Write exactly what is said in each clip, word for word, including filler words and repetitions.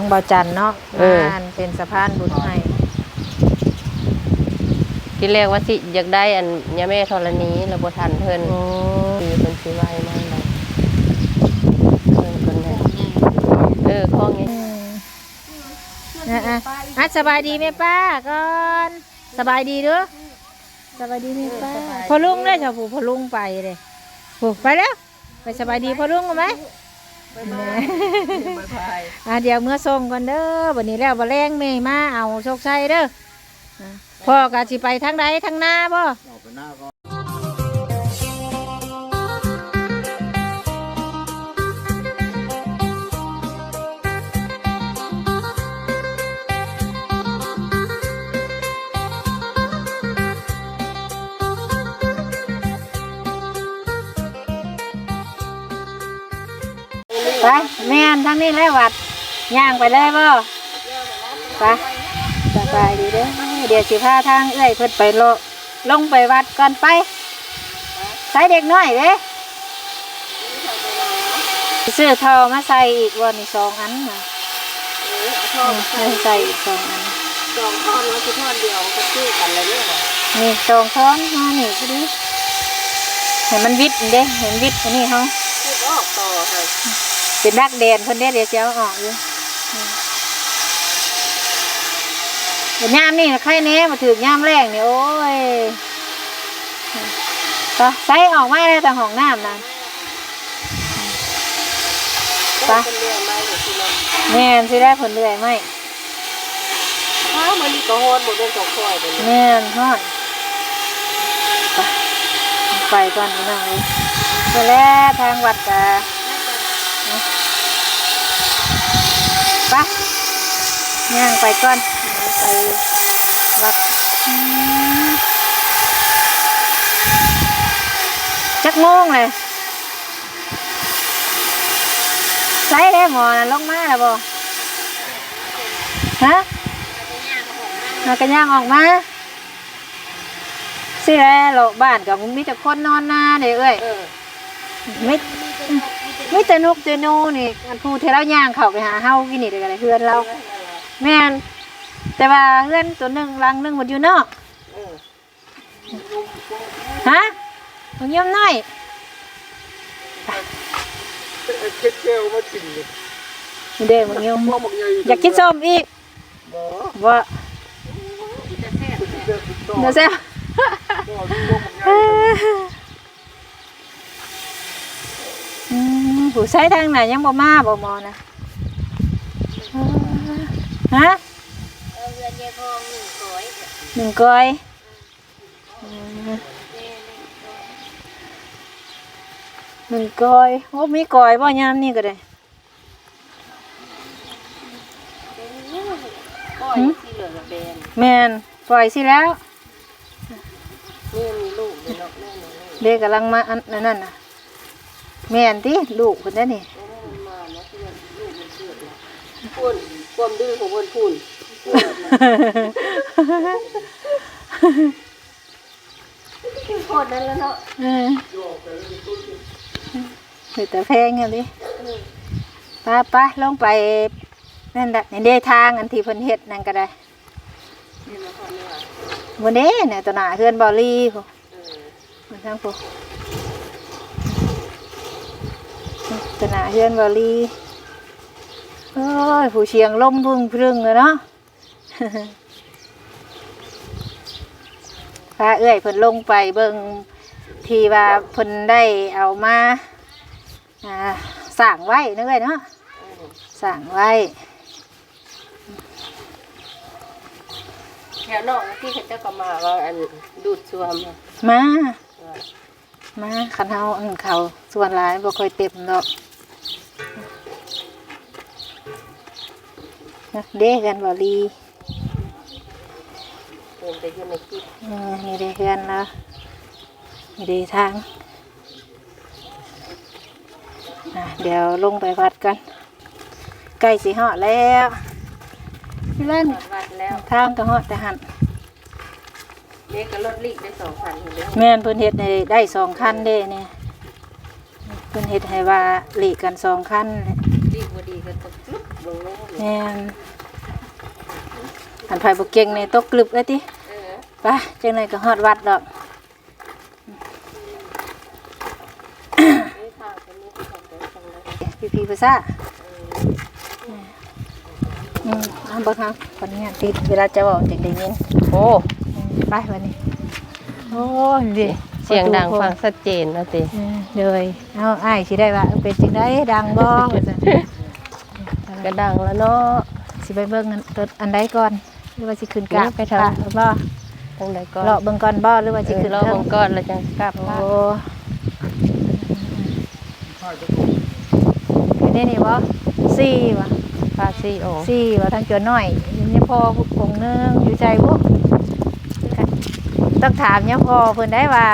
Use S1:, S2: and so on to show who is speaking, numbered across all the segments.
S1: งบ่อจันเนาะงานเป็นสะพานบุญให้
S2: ที่แรกว่าสิอยากได้อันยาแม่ธรณีแล้วบ่ทันเพิ่นโอ้ปีเพิ่นสิไว้มาได้เพิ่นเพิ่นให้เออข้อนี้
S1: อ่ะอ่ะอ่ะสบายดีไหมป้าก่อนสบายดีเด้อสบายดีไหมป้าพอลุงได้จ้ะผู้พอลุงไปเลยผู้ไปแล้วไปสบายดีพอลุงไหมอ่ะเดี๋ยวเมื่อส่งก่อนเด้อวันนี้แล้วบ่แรงเมย์มาเอาโชคชัยเด้อพ่อกะสิไปทางใดทางหน้าบ่ไปแม่นทางนี้แล้ววัดย่างไปเลยบ่ไปสบายดีเด้อเดี๋ยวสิพาทางเอ้ยเพิ่นไปโลลงไปวัดก่อนไปใส่เด็กน้อยเด้ซื้อทอมาใส่อีกวันนี้สองอันนะใส่อีกสองอัน
S2: สองท่อนแล้วคือท่อนเดียวก็ชื่อกันเลยเนี่ย
S1: นี่สองท่อนมานี่ก็ดีเห็นมันวิดเด้เห็นวิดอันนี้เขา
S2: ออกต่อเลย
S1: เป็นดักแดนคนเดียวเดี๋ยวจะเอาออกอยู่เดี๋ยวย่ามนี่ใครเนี้ยมาถือย่ามแรงนี่โอ้ยก็ใส่ออกมาเลยแต่ห้องน้ำนะปะแม่นสิได้ผลเลื่อยไหม
S2: ถ้ามันมีกระโหนหมดเป็นสองคอยเลย
S1: แม่นฮอดไปไปก่อนนี่น้องเลยไปแล้วทางวัดกะไปย่างไปก่อนไปวัดจักโมงเลยใส่ได้หมอนะลงมาแล้วบ่ฮะมากระย่างออกมาสิแล้วโลบ้านกับมีแต่คนนอนนาเด้อเอ้ยไม่ไม่แต่นกแต่นูนี่อันพูดเทเราย่างเข้าไปหาเฮากินนี่เด้อเพื่อนเราแม่นแต่ว่าเพื่อนตัวหนึ่งรังหนึ่งหมดอยู่เนาะฮะมึงย่อมน้อย
S3: เค็ดแก้วมากินเลย
S1: เด้มึงย่อมอยากกินส้มอีกว่าเดี๋ยวเสียผู้ใช้ทางไหนยังบ่มาบ่มอนะฮะหนึ่งก้อยหนึ่งก้อยโอ้มีก้อยบ่ยามนี่ก็ได้แม่นปล่อยสิแล้วเด็กกำลังมาอันนั่นน่ะแม่นที่ลูกคนนั้นนี่
S2: พูนความดื้อของคนพูนโคตรนั่นแล้วเนาะ
S1: เออแต่แพงอย่างนี้ป้าป้าลงไปนั่นแหละในเดทางอันที่เพิ่นเฮ็ดนั่นก็ได้วันนี้เนี่ยตัวหน้าเฮือนบอลลี่พวกมันทั้งพวกตัวหน้าเฮือนบอลลี่โอ้ยผู้เชียงล่มพึ่งพึ่งเลยเนาะพาเอื้อยเพิ่นลงไปเบิ่งที่ว่าเพิ่นได้เอามาสั่งไว้นึกเลยเนาะสั่งไว้
S2: แถวนอกที่เขาจะก็มาว่าอันดูดซ่วม
S1: มามาขันเฮาอันเขาส่วนหลายบ่ค่อยเต็มดอกเด้กันบ่ลี
S2: เดินไปอยู่ในคลิป
S1: นี่เด้กันแล้วนี่เด้ทางเดี๋ยวลงไปวัดกันใกล้สิฮอดแล้วพี่เล่นทางก็ฮอดแต่หัน
S2: เด็กก็รถลีกได้สองคันเด้อ
S1: แม่นเพิ่นเฮ็ดให้ได้สองคันเด้เนี่ยเพิ่นเฮ็ดให้ว่าลีกกันสองคัน
S2: ลีกบ่ดีก็ตกจุด
S1: แม่นอันไผบ่เก่งในตกกลึบเลยติไปจังได๋ก็ฮอดวัดดอกพี่ๆภาษาอืมเอาเบิ่งครับคนนี้ติดเวลาจะเว้าจังได้ยิน
S2: โอ้
S1: ไปวันนี้โอ้ยดิ
S2: เสียงดังฟังชัดเจนนะติ
S1: เออเลยเอาอ้ายสิได้ว่าเป็นจังได๋ดังบ่ว่าซั่น
S2: ก็ดังแล้วเนาะ
S1: สิไปเบิ่งอันรถอันใดก่อนหรือว่าสิขึ้นกราบ
S2: ไปทาง
S1: พระบ่
S2: ทั้งใดก่อน
S1: เลาะเบิ่งก่อนบ่หรือว่าสิ
S2: เออ
S1: ขึ้น
S2: รอ
S1: เทิ
S2: ว
S1: ง
S2: งก่อนแล้วจังกลับ
S1: โอ้
S2: มา
S1: คือนี่นี่บ่สี่ว่ะ
S2: พาซี่โอ
S1: สี่ว่ะทางจวนน้อยนี่พ่อองค์นึงอยู่ใจบ่ต้องถามเนี่ยพ่อเพิ่นได้ว่า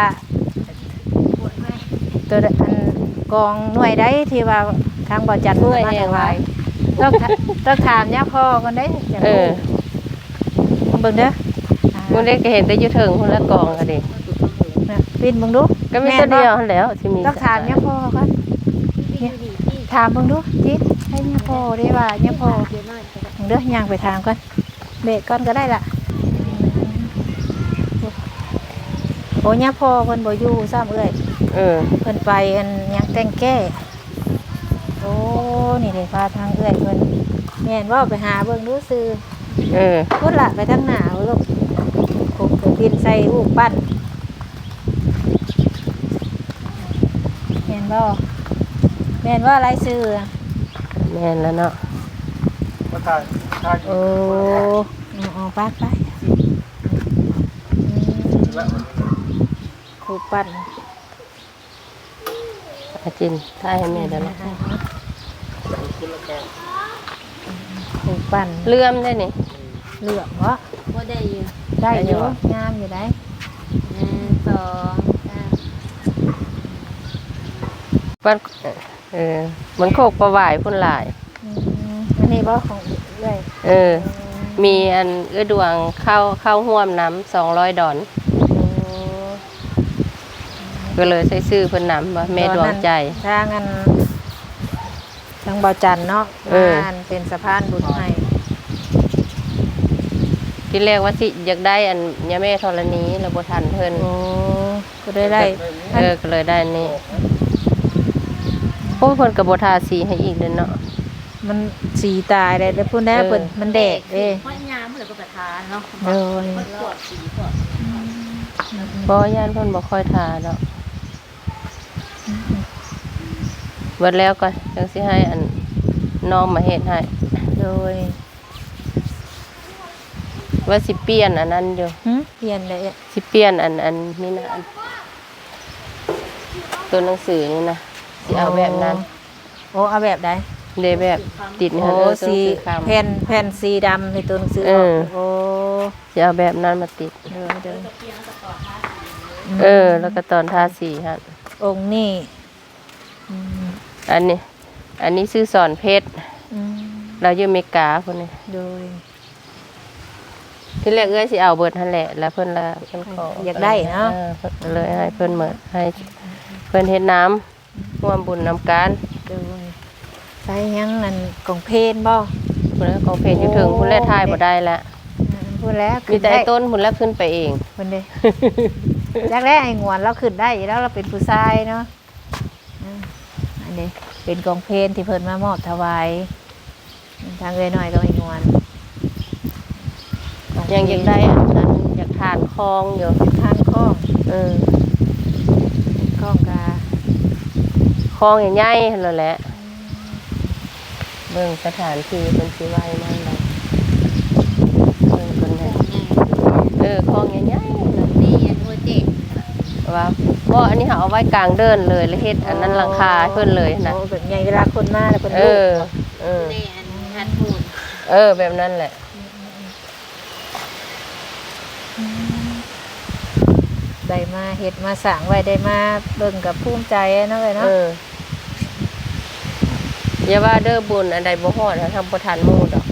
S1: ตัวอันกองหน่วยใดที่ว่าทางบ่จัด
S2: เมื่อย
S1: มา
S2: เอง
S1: ถวา
S2: ไว้
S1: ยต้องต้องถามเนี่ยพ่อกันได้อยาก
S2: เอ
S1: รู้
S2: อ
S1: เบิ่งเด้อ
S2: มึงได้ก็เห็นได้อยู่เถิงพุ่นละกองก็ดิ
S1: น่ะปินเบิ่งดู
S2: ก็มีตัวเดียวหั่นแหล้วที่มี
S1: ต้องถามเนี่ยพ่อก่อนเนี่ยถามเบิ่งดูจิตให้เนี่ยพ่อได้ว่าเนี่ยพ่อเบิ่งเด้อย่างไปถามก่อนเบรกก่อนก็ได้ล่ะโอ้เนี่ยพ่อเพิ่นบ่อยู่ซ้ำเอ้ย
S2: เออ
S1: เพิ่นไปอันหยังแต่งแก้โอ้นี่เลยพาทางเอื้อยเพิ่นแม่นว่าไปหาเบิ่งดูซื้อ
S2: เออ
S1: พุ่นละไปทางหน้าเอาลูกคงเคยบินใส่อูกปั้นแม่นบ่แม่นว่าอะไรซื้อ
S2: แม่นแล้วเนาะ
S3: มาถ่ายถ่าย
S1: โอ้เอาเอาปากไปอูกปั้น
S2: อาจินถ่ายให้แม่เดี๋ยวนะ
S1: อูกปั้น
S2: เลื่อมได้นี่
S1: เหลืองวะ
S4: บ่ได้อยู่
S1: ได้อยู่
S2: ได้อยู่
S1: งามอยู่ได้
S4: หนึ่งสองสาม
S2: ปั้นเออมันโคกประหวายพุ่นหลาย
S1: อืมอันนี้บ่ของเอื้อย
S2: เออ มีอันเอื้อดวงเข้าเข้าห่วมน้ำสองร้อยดอน ก็เลยใช้ซื้อเพิ่นนำว่าแม่ดวงใจ
S1: ทางอันทางเบาจันเนาะ
S2: เออ
S1: งานเป็นสะพานบุญให้
S2: ที่แรกว่าสิอยากได้อันยาแม่ธรณีแล้วบ่ทันเพิ่น
S1: โอ้ก็ได้ได้
S2: เออก็เลยได้อันนี่โอ้ยเพิ่นก็บ่ทาสีให้อีกเด้อเนาะ
S1: มันสีตายได้แล้วพูดแน่
S2: เออ
S1: เปิ่นมันแดกเด้
S4: เพราะยามเหลือก็ประทานเนาะ
S1: โดย
S4: มันปวดสีปวด
S2: บ่ย่านเพิ่นบ่ค่อยทาดอกเบิดแล้วก็จังสิให้อันน้องมาเฮ็ดให้
S1: โดย
S2: ว่าสิเปลี่ยนอันนั้นอยู่
S1: หึเปลี่ยนเลยอะ
S2: สิเปลี่ยนอันอันนี่นะอันตัวหนังสือนี่นะสิเอาแบบนั้น
S1: โอ้เอาแบบใด
S2: เดแบบติดนี่
S1: โอ้
S2: ฮะเออตัวหนั
S1: สี
S2: งสือคำ
S1: แผ่นแผ่นสีดำในตัวหนังสือ
S2: เออ
S1: โอ้
S2: จะเอาแบบนั้นมาติด
S1: เดินเดิน
S2: เออ แล้วก็ตอนทาสีฮะ
S1: องค์นี่อืม
S2: อันนี้ อันนี้ซื้อสอนเพชร
S1: อืม
S2: เราอยู่อเมริกาคนนี้
S1: โดย
S2: ที่แรกเอ้ยสิเอาเบิดทันแหละแล้วเพิ่นละเพิ่นขออย
S1: อากได้เนาะ
S2: ออเพิ่นเลยให้เพิ่นเหมือนให้เพิ่นเฮ็ดน้ำร่วมบุญนำการ
S1: โดยใส่หยังอันกองเพลนบ่
S2: พุ่นแล้วของเพจอยู่ถึงพุ่นแล้วทายบ่ได้ละ
S1: พูดแล้ว
S2: มีแต่ไอ้ต้นพุ่นแล้วขึ้นไปเอง
S1: คนเดีแรกแรกๆไอ้งวนเราขึ้นได้อยู่แล้วเราเป็นผู้ชายเนาะอ่าอันนี้เป็นกองเพลนที่เพิ่นมามอบถวายทางเอ้ยหน่อยก็ไอ้งวนกเพล
S2: ยังอยากได้อันนั้นอยากทานคลองอยู่
S1: ทางข้อง
S2: เออ
S1: ข้องกา
S2: คลองใหญ่ๆนั่นแหละเบิ่งสถานที่เพิ่นสิไว้นั่นแหละเบิ่งเพิ่นให้เออคลองใหญ่ๆนั่น
S4: นี่อันโปรเจกต์
S2: ว่าบ่อันนี้เขาเอาไว้กลางเดินเลยแล้วเฮ็ดอันนั้นหลังคาให้เพิ่นเลยนะ
S1: โอ้แบบใหญ่เวลาคนมาแล้วเพิ่น
S2: เอ
S1: ดู
S2: อ เออ
S4: นี่อันทัดพูน
S2: เออ แบบนั้นแหละ
S1: ได้มาเฮ็ดมาสร้างไว้ได้มาเบิ่งกับภูมิใจเนาะเอ้ย
S2: เอ
S1: เนาะ
S2: ออย่าว่าเด้อบุญอันใดบ่ฮอดทำบ่ทันหมู่ดอก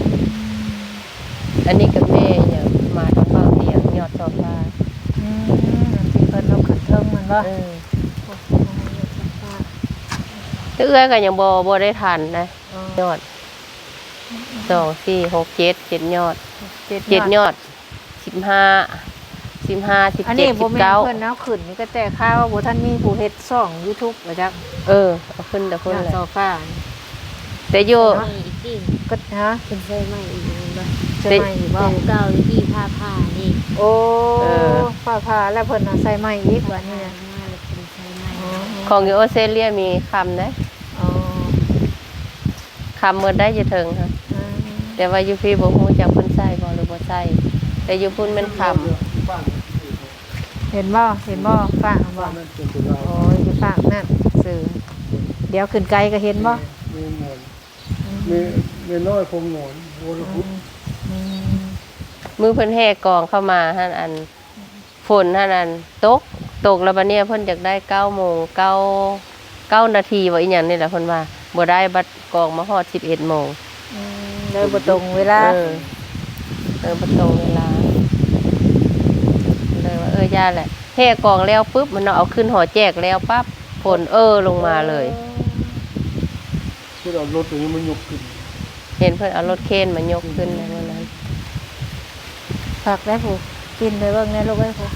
S2: อันนี้กับแม่อย่ามาทางเฝ้าเตียงยอดซอฟ้า
S1: อืมที่เพิ่นเอาขึ้นเทิงมันบ่
S2: เออแต่เอื้อยก็ยังบ่บ่ได้ทันนะยอดสองสี่หกเจ็ดเจ็ดยอด
S1: เจ็ด
S2: เจ็ด
S1: ย
S2: ย
S1: อด
S2: อดสิบห้าสิบห้าสิบ
S1: อัน
S2: เจ็
S1: นี้
S2: ด
S1: บ่
S2: สิบ
S1: แม่น
S2: เก้า
S1: เพิ่นเอาขึ้นนี่ก็แต่ข้าวว่าบ่ทันมีผู้เฮ็ดช่อง YouTube ว่าจัก
S2: เออเอาขึ้นแต่คน
S1: หน้า
S2: เลย
S1: โซฟา
S2: แต่อยู่
S4: ไม่อีกที่
S1: ก็ฮะ
S4: เป็นใช่ไหมอีกบ่
S1: ใช่ไหมอีกบ่
S4: เก่าเก่าอยู่ที่ผ้าผ้านี่
S1: โอ้ผ้าผ้าแล้วเพิ่นเอาใส่ไม้อีกว่านี่นะ
S4: มาแล้วเป็นใช่ไหม
S1: อ๋อ
S2: ของอยู่ออสเตรเลียมีคำนะ
S1: อ๋อ
S2: คำเมื่อได้จะถึงค่ะ
S1: อืม
S2: แต่ว่าอยู่พี่บ่ฮู้จักเพิ่นใส่บ่หรือบ่ใส่แต่อยู่พุ่นแม่นค
S3: บ้าน
S1: เห็นบ่เห็นบ่ฝากบ่
S3: บ้านนั่นเป็นตัวเรา
S1: โอ้ยสิฝากนั่นสื่อเดี๋ยวขึ้นไกลก็เห็นบ่
S3: มีหมอนมีมีน้อยคงหมอนโวลพุทธ
S1: อืม
S2: ำมือเพิ่นแห่กองเข้ามาหั่นอันฝนหั่นอันตกตกแล้วบัดเนี้ยเพิ่นอยากได้เก้าโมงเก้า เก้านาทีว่าอีหยังนี่แหละเพิ่นว่าบ่ได้บัดกองมาฮอดสิบเอ็ดโมง
S1: อืมเลยบ่ตรงเวลา
S2: เออเออบ่ตรงเวลาเลยว่าเออย่าแหละแห่กองแล้วปุ๊บมันเอาขึ้นหอแจกแล้วปั๊บฝนเออลงมาเลย
S3: ที่เรารถตัวนี้มันยกขึ้น
S2: เห็นเพิ่นเอารถเคนมายกขึ้นในวันนั้น
S1: ฝากได้ผู้กินไปเบิ่งในลูกเอ้ยผู้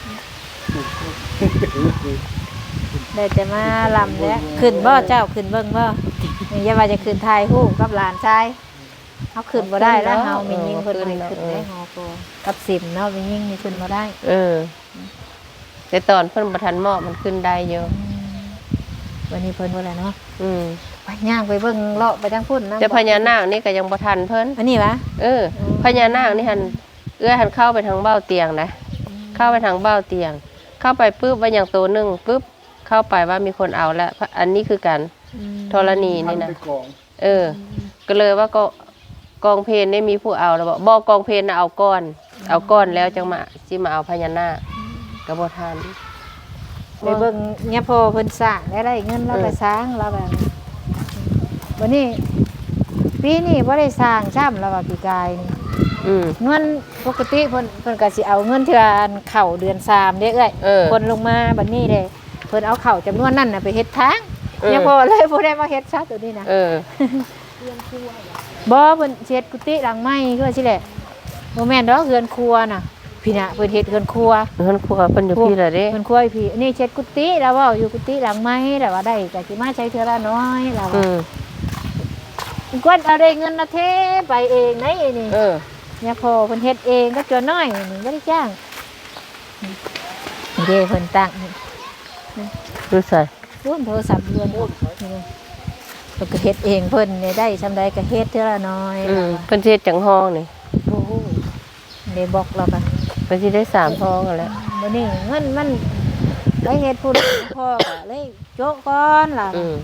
S1: ได้แต่มาลำแล้วขึ้นบ่เจ้าขึ้นเบิ่งบ่นี่อย่าว่าจะขึ้นถ่ายรูปกับหลานชายเฮาขึ้นบ่ได้แล้วเฮามียิงเพิ่นบ่ให้ขึ้นได้ฮอก็กับสิมเนาะมียิงนี่ขึ้นบ่ได้
S2: เออแต่ตอนเพิ่นบ่ทันเหมาะมันขึ้นได้เยอะ
S1: วันนี้เพิ่นว่าอะไรเนาะ
S2: อืม
S1: ไปย่างไปเบิ่งเลาะไปทางพุ่นนะ
S2: แต่พญานาคนี่ก็ยังบ่ทันเพิ่น
S1: อันนี้วะ
S2: เออพญานาคนี่หันเอื้อหันเข้าไปทางเบ้าเตียงนะเข้าไปทางเบ้าเตียง เข้าไปปุ๊บว่าอย่างตัวหนึ่งปุ๊บเข้าไปว่ามีคนเอาแล้วอันนี้คือการธรณี
S3: ทั
S2: นี่
S3: น
S2: นะ
S3: ไปกอง
S2: เออ ก็เลยว่าก็กองเพลนได้มีผู้เอาแล้วบอกบอกกองเพลนนะเอาก้อน เอาก้อนแล้วจังมาจิมาเอาพญานาคกระบทาน
S1: ไปเบิ่งเนี่ยพอเพิ่นสร้างได้ได้เงินเราไปสร้างเราแบบนี้วันนี้ปีนี้บ่ได้สร้างซ้ำแล้วว่าปีกายนี่
S2: อืม
S1: เงินปกติเพิ่นเพิ่นก็สิเอาเงินเทื่ออันเข้าเดือนสามเด้เอ้ย
S2: เออ
S1: คนลงมาบัดนี้เด้เพิ่นเอาเข้าจำนวนนั้นน่ะไปเฮ็ดทาง
S2: เออ
S1: เนี่ยพอเลยบ่ได้มาเฮ็ดซะตัวนี้นะ
S2: เออ
S1: บ่เพิ่นเฮ็ดกุฏิหลังใหม่คือว่าสิแหละบ่แม่นดอกเรือนครัวน่ะพี่น่ะเพิ่นเฮ็ดเรือนครัว
S2: เพิ่นครัวเพิ่นอยู่พี่ละเด้
S1: เพิ่นครัวอยู่พี่อันนี้เฮ็ดกุฏิแล้วเว้าอยู่กุฏิหลังใหม่แล้วว่าได้ก็สิมาใช้เทื่อละน้อยแล้ว
S2: อืม
S1: กวนเอาได้เงินน่ะเทไปเองไหนนี่
S2: เออ
S1: เนี่ยพอเพิ่นเฮ็ดเองก็จนน้อยนี่บ่ได้จ้างนี่เด้เพิ่นตั้งนี่
S2: ดูใส่
S1: รุ่นโทรศัพท์เรือนนี่เพิ่นก็เฮ็ดเองเพิ่นได้ซำใดก็เฮ็ดเทื่อละน้อย
S2: อืมเพิ่นสิเฮ็ดจังห้องนี่
S1: โอ้โหได้บอกเราก็
S2: เพิ่นสิได้สามห้องกันแหล้ว
S1: บ่นี่เงินมันได้เฮ็ดผู้ใดพ่อก็เลยโจ๊ะก่อนล่ะ
S2: อืม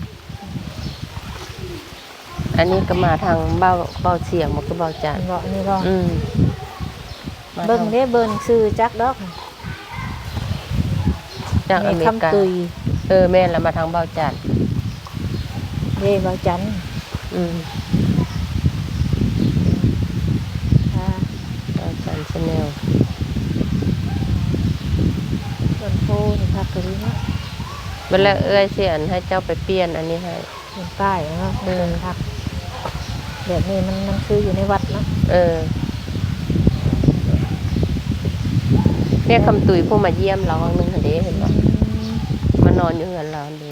S2: อันนี้ก็มาทางเบ้าเบ้าเสียงมันก็เบ้าจาน
S1: บ่นี่บ่
S2: อืมมา
S1: เบิ่ง
S2: ทาง
S1: เด้เบิ่งซื้อจักดอก
S2: จากอเมริกา
S1: คำตุย
S2: เออแม่นแล้วมาทางเบ้าจาน
S1: เด้บ่จันทร์
S2: อืม
S1: อ่า
S2: เบ้าจานชาแนล
S1: ต้นโพนี่พักก็ดีเนาะ
S2: เวลาเอ้ยเสียนให้เจ้าไปเปลี่ยนอันนี้ให้
S1: เป็นป้ายเนาะเดินพักแบบนี้มันมันคืออยู่ในวัดเนาะ
S2: เออเรียกคำตุยผู้มาเยี่ยมเราครั้งหนึงหันเด้เห็นป่ะมานอนอยู่เหือนเราหันเด้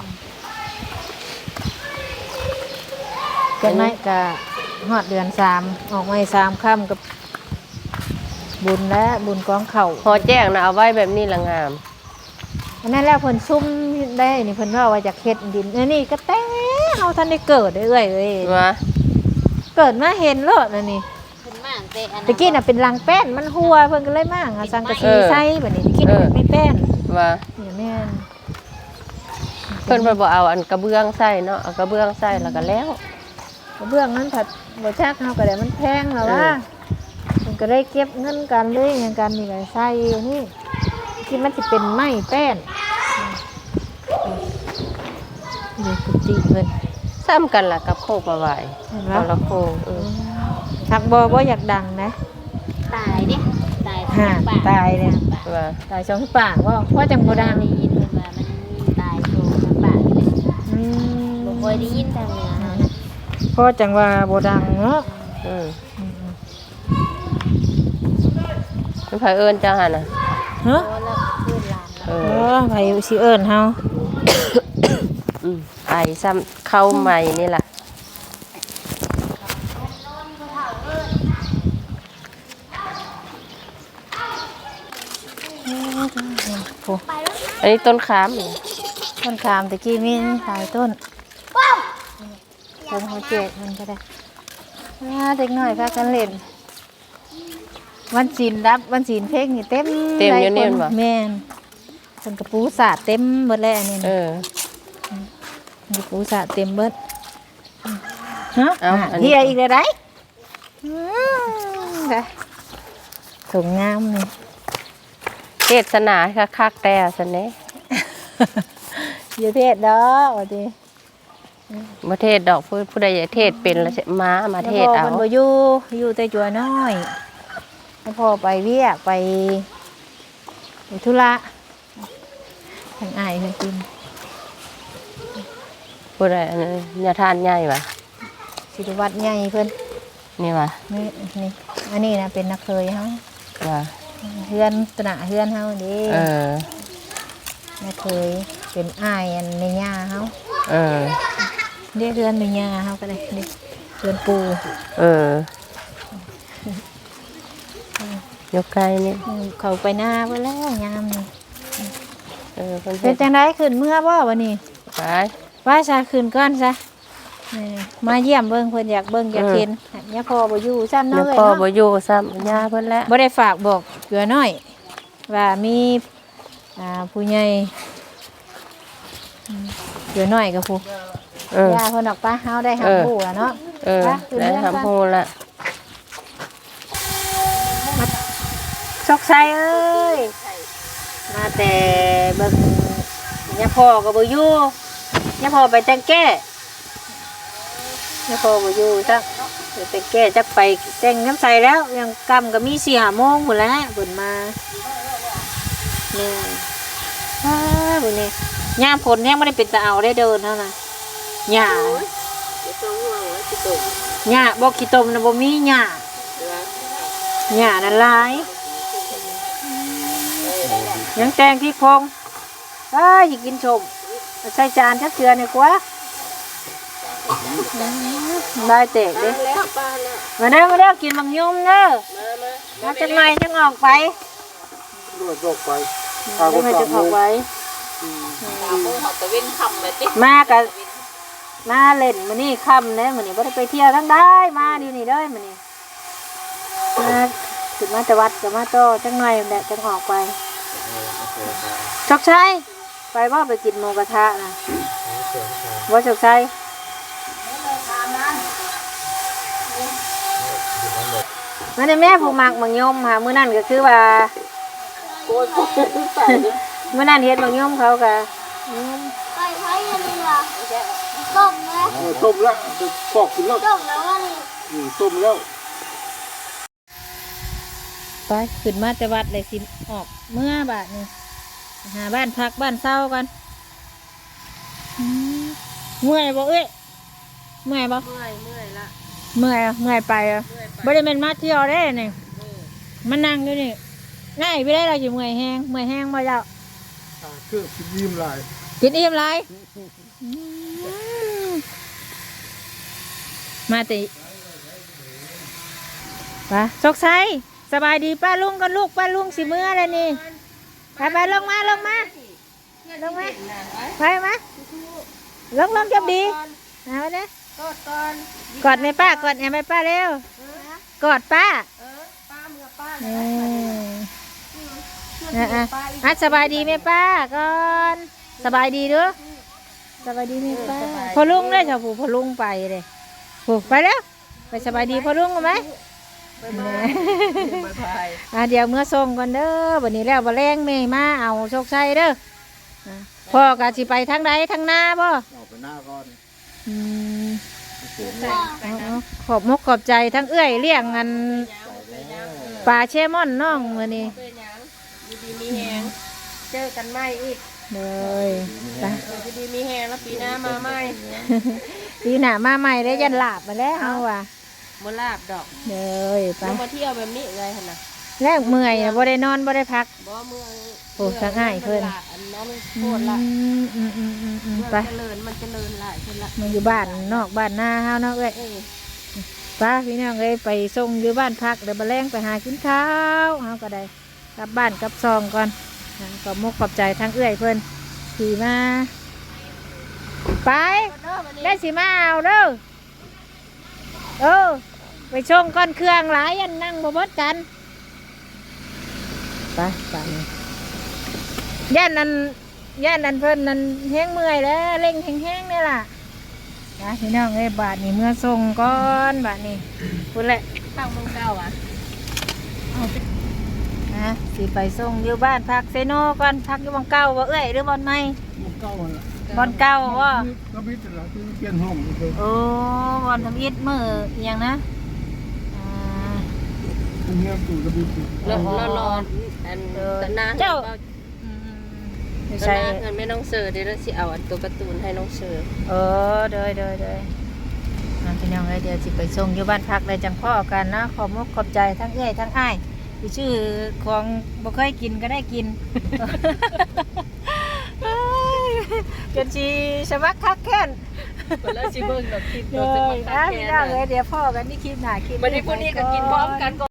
S1: จากนั้นก็ฮอดเดือนสามออกมาให้สามค่ำกับบุญและบุญกองเข่า
S2: พอแจ้งนะเอาไว้แบบนี้ละงาม
S1: อันนั้นแล้วเพิ่นซุ่มได้นี่เพิ่นว่าว่าจากเฮ็ดดินเอ้ยนี่ก็แต่เฮาทันได้เกิดเด้อเอ้ยเอ้ย
S2: ว่า
S1: เกิดมาเห็นโลดนั่นนี่
S4: ขึ้นมาเตะอัน
S1: ตะกี้น่ะเป็นรังแป้นมันหัวเพิ่นก็เลยมาหาสังกะสีใส่บัดนี้ตะกี้น่ะเป็นไม่แป้น
S2: ว่า
S1: นี่แม่น
S2: เพิ่นบ่เอาอันกระเบื้องใส่เนาะเอากระเบื้องใส่แล้วก็แล้ว
S1: กระเบื้องนั้นผัดบ่จักเฮาก็ได้มันแพงแล้วว่าเพิ่นก็ได้เก็บเงินกันเลยหยังกันนี่ก็ใส่นี่ที่มันสิเป็นไม้แป้นนี่กุฏิเพิ่น
S2: ซ้ำกันล่ะกับโคกมาไหว
S1: เห็นไหม
S2: คนละโคกเออ
S1: ทักบ่บ่อยากดังนะ
S4: ตายเด้ตาย
S1: ห่าตายเลย
S2: ว่า
S1: ตายสองปากว่าเพราะจังบ่ดัง
S4: ได้ยินเพิ่นว่ามันตายโตทั้งปากเลย
S1: อืม
S4: บ่ค่อยได้ยินทางเหนือเฮานะ
S1: เพราะจังว่าบ่ดังเนาะ
S2: อืมมันไผเอิ้นจังหั่นน่ะ
S1: ฮะ
S4: พอแล้วเพื่อนหลาน
S2: เอ
S1: เอ
S2: อ
S1: อไผสิเอิ้นเฮา
S2: อืมไอซ้ำเข้าใหม่นี่ล่ะอันนี้ต้นขามนี่
S1: ต้นขามตะกี้มีหลายต้นต้นหัวเจ็ดมันก็ได้อ่าเด็กน้อยพากันเล่นวันศีลรับวันศีลเพลงนี่เต็ม
S2: เต็ม
S1: หลา
S2: อยู่นี่
S1: ค
S2: บ่
S1: แม่นเพิ่นกระปูสาดเต็มเบิดแล้วอันนี่
S2: เออ
S1: กระปูสาดเต็มเบิดฮะ
S2: เอ้าอันนี้
S1: เฮียอีกแล้วได้อืมได้สวยงามนี่
S2: เทศนาคักๆแต่ซั่นเด้
S1: อย่าเทศดอกว่าติ
S2: บ่เทศดอกผู้ผู้ใดอยากเทศเป็นแล้วสิมามาเทศเอา
S1: แล้วพ่อเพิ่นบ่อยู่อยู่แต่จัวน้อยแล้วพ่อไปเวียกไปไปธุระทางอ้ายเพิ่นกิน
S2: ผู้ใดอันนั้นญาทานใหญ่ว่ะ
S1: ศิริวัตรใหญ่เพิ่น
S2: นี่ว่ะ
S1: นี่นี่อันนี้นะเป็นนักเคยเฮา
S2: ว่ะ
S1: เฮือนตระเฮือนเฮาเด้
S2: เออ
S1: นักเคยเป็นอ้ายอันในย่าเฮา
S2: เออ
S1: เรียกเฮือนในย่าเฮาก็ได้เด้เฮือนปู
S2: เออยกไกลนี่
S1: อืมเขาไปหน้าเพิ่นแล้วยามนี่
S2: เออเพิ่น
S1: เป็นจังได๋ขึ้นเมื่อบ่วันนี้
S2: ไป
S1: ว่าซะขึ้นก่อนซะนี่มาเยี่ยมเบิ่งเพิ่นอยากเบิ่งอยากเห็นย่าพ่อบ่อยู่ซ้ำ
S2: เดี๋
S1: เนาะ
S2: ยว
S1: เอ้ย
S2: พ่อ
S1: เนาะ
S2: บ่อยู่ซ้ำย่าเพิ่นแล้ว
S1: บ่ได้ฝากบอกเกลือน้อย ว่ามีอ่าผู้ใหญ่อืมเกลือน้อยกับผู้
S2: เออ
S1: ย่าเพิ่นออกไปเฮาได้หา
S2: เออ
S1: ผู้แล้วเนาะ
S2: เออ
S1: ไปขึ้น
S2: ได้
S1: เรือนก่อน
S2: ทำฮู้ละ
S1: ซอกไซเอ้ยมาแต่เบิ่งย่าพ่อก็บ่อยู่ย่าพ่อไปแต่งแก้ย่าพ่อบ่อยู่ซักไปแต่งแก้จักไปแต่งน้ำใสแล้วยังกำก็มี สี่ห้าโมงพุ่นแหล้วเพิ่นมานี่อ้าบุนี่ยามฝนแฮงบ่ได้เป็นตาเอาได้เดินเท่านั้นหญ้าหญ้าบ่ขี้ตมน่ะบ่มีหญ้าหญ้านั่นหลายยังแตงที่พงอ้ายสิกินชมใส่จานทักเทื่อนี่กว่าได้เตะเด้มาเด้อมาเด้อกินบักยุ่มเด้อมาจังไหนจังออกไป
S3: รวดรอกไป
S1: จังไหนจะออกไป
S4: Ừ.
S1: มากับมาเล่นมื้อนี้ค่ำเด้มื้อนี้บ่ได้ไปเที่ยวทั้งได้มาดีนี่เด้อมื้อนี้มาขึ้นมาแต่วัดก็มาโตจังหน่อยแหละจังออกไปชกชัยไปบ่ไปกินหมูกระทะน่ะบ่ชกชัยมาในแม่ผู้มักมังยมค่ะมื้อนั้นก็คือว่ามื้อนั้นเฮ็ดมังยมเขาก็อืม
S5: ไปใช้อันนี้ล่ะต้มแล้ว
S3: เออต้มแล้วปอกกินแล้ว
S5: ต้มแล้วว่านี่
S3: อืมต้มแล้ว
S1: ไปขึ้นมาแต่วัดเลยสิออกเมื่อบาทนี่หาบ้านพักบ้านเศร้ากันอืมเมื่อยบ่เอ้ยเมื่อยบ่
S2: เมื่อยเมื่อยละ
S1: เมื่อยอะเมื่อยไปอ่ะบ่ได้เป็นมาเที่ยวได้นี่มันนั่งอยู่นี่ง่ายไปได้เราอยู่เมื่อยแห้งเมื่อยแห้งบ่เจ้า
S3: อ่าเครื่องกินยิ้มลาย
S1: กินอิ่มไรมาติไปสกไซสบายดีป้าลุงกันลูกป้าลุงสิเมื่อแล้วนี่ไปไปลงมาลงมาลงมาไปมาลงลงจับดีเอาไปเลยกอดก่อนกอดแม่ป้ากอดแม่ป้าเร็วกอดป้าเออป้าเมื่อป้าอ่ะอ่ะอ่ะสบายดีแม่ป้าก่อนสบายดีเด้อสบายดีแม่ป้าพอลุงเลยชาวผู้พอลุงไปเลยผู้ไปแล้วไปสบายดีพอลุงกันไหมอ่ะเดี๋ยวเมื่อส่งก่อนเด้อวันนี้แล้วบ่แรงแม่มาเอาโชคชัยเด้ออ่ะพ่อกะสิไปทางใดทางหน้าบ่
S3: เอาไปหน้าก่อน
S1: อืมเอาเอาขอบมกขอบใจทั้งเอื้อยเลี้ยงเงินปลาเชมอนน้องมื้อนี้
S2: อยู่ดีมีแฮงเจอกันใหม่อีก
S1: เลยไป
S2: อยู่ดีมีแฮงแล้วปีหน้ามาใหม่
S1: ปีหน้ามาใหม่ได้ยันหลาบมาแล้วเฮาว่ะ
S2: บ่ลาบดอก
S1: เด้อไป
S2: เรามาเที่ยวแบบนี้ไงหั่นน่ะ
S1: แลกเมื่อยน่ะบ่ได้นอนบ่ได้พัก
S2: บ่เมือง
S1: โอ้ทางง่ายเพิ่น
S2: อันนั้น
S1: อื
S2: โคตรละ
S1: มอืมอืมอืมอืม
S2: เมือง
S1: ไป
S2: เจริญมันเจริญหลายขึ้นละ
S1: มาอยู่บ้านนอกบ้านนาเฮาเนาะเอ้ย
S2: เออ
S1: ไป้าพี่น้องเอ้ยไปส่งอยู่บ้านพักเดี๋ยวมาแรงไปหากินข้าวเฮาก็ได้กลับบ้านกลับซองก่อนนะก็มุกขอบใจทั้งเอื้อยเพิ่นขี่มาไปได้สิมาเอาเด้อเออไปชงก้อนเครื่องหลายอันนั่งบ่เบดกันไปไปย่านนั้นย่านนั้นเพิ่นนั้นแห้งเมื่อยแล้วเร่งแห้งๆนี่ล่ะนะพี่น้องเอ้ยบาทนี่เมื่อส่งก่อนบาทนี่พูดแหละ
S2: ข้างเมืองเก่าอ่ะ
S1: นะสิไปส่งอยู่บ้านพักเซโนก่อนพักอยู่บอนเก่าบ่เอ้ยหรือบอนใหม่
S3: มันเก่าละ
S1: บอนเก่าบ่
S3: ก็พิจารณาที่เปลี่ยนห้องเลย
S1: โอ้บอนทำอิฐมืออหย่างนะอ่า
S3: คุณเงียบตู่ก็พิจาร
S2: แล้ว
S1: อ๋อ
S2: แล้วรออันตะนา
S1: เจ้า
S2: เจ้า
S1: อืมอยู่
S2: ตะ
S1: ใส่
S2: นาเงินแม่น้องเสือเดี๋ยวเราสิเอาอันตัวการ์ตูนให้น้องเสือ
S1: เออเดยเดยเดยอ่ะพี่น้องเอ้ยเดี๋ยวสิไปส่งอยู่บ้านพักเลยจังพ่อกันนะขอบมุกขอบใจทั้งเอ้ยทั้งอ้ายที่ชื่อของบ่เคยกินก็ได้กิน เอ้ยจนชีสมักคักแค้น
S2: แล้วสิเบิ่งดอกคลิป
S1: เล
S2: เราจะ
S1: ย
S2: มา
S1: อ่ะ
S2: คัก
S1: พี่
S2: แก
S1: น้อง
S2: น
S1: เอ้ยเดี๋ยวพ่อกันนี่คลิปหน้าคลิป
S2: วันนี้พวกนี้ก็กินพร้อมกัน